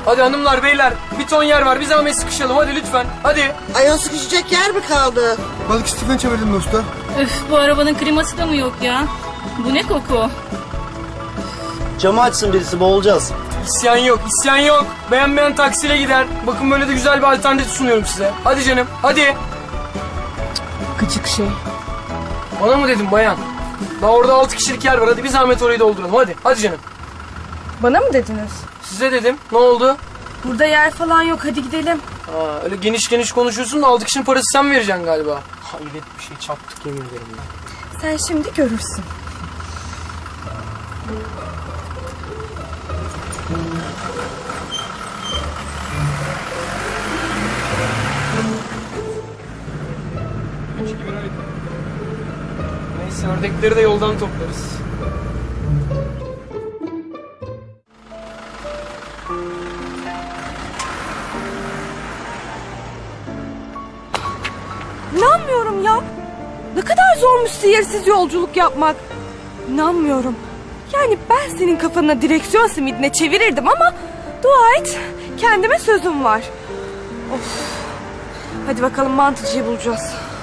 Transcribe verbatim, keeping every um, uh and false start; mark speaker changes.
Speaker 1: Hadi hanımlar beyler bir ton yer var, bir zahmet sıkışalım hadi lütfen hadi.
Speaker 2: Ayol sıkışacak yer mi kaldı?
Speaker 3: Balık istiflen çevirdim usta.
Speaker 4: Öf, bu arabanın kliması da mı yok ya? Bu ne koku?
Speaker 5: Camı açsın birisi, boğulacağız.
Speaker 1: İsyan yok, isyan yok. Beğenmeyen taksiyle gider. Bakın böyle de güzel bir alternatif sunuyorum size. Hadi canım, hadi.
Speaker 6: Gıcık şey.
Speaker 1: Bana mı dedin bayan? Daha orada altı kişilik yer var. Hadi bir zahmet orayı dolduralım. Hadi, hadi canım.
Speaker 6: Bana mı dediniz?
Speaker 1: Size dedim. Ne oldu?
Speaker 6: Burada yer falan yok, hadi gidelim.
Speaker 1: Aa, öyle geniş geniş konuşuyorsun da altı kişinin parası sen vereceksin galiba. Hayret bir şey, çarptık yemin ederim ya.
Speaker 6: Sen şimdi görürsün.
Speaker 1: Neyse ördekleri de yoldan toplarız.
Speaker 6: İnanmıyorum ya. Ne kadar zormuş sihirsiz yolculuk yapmak. İnanmıyorum. Yani ben senin kafanına direksiyon simidine çevirirdim ama dua et, kendime sözüm var. Of. Hadi bakalım mantıcıyı bulacağız.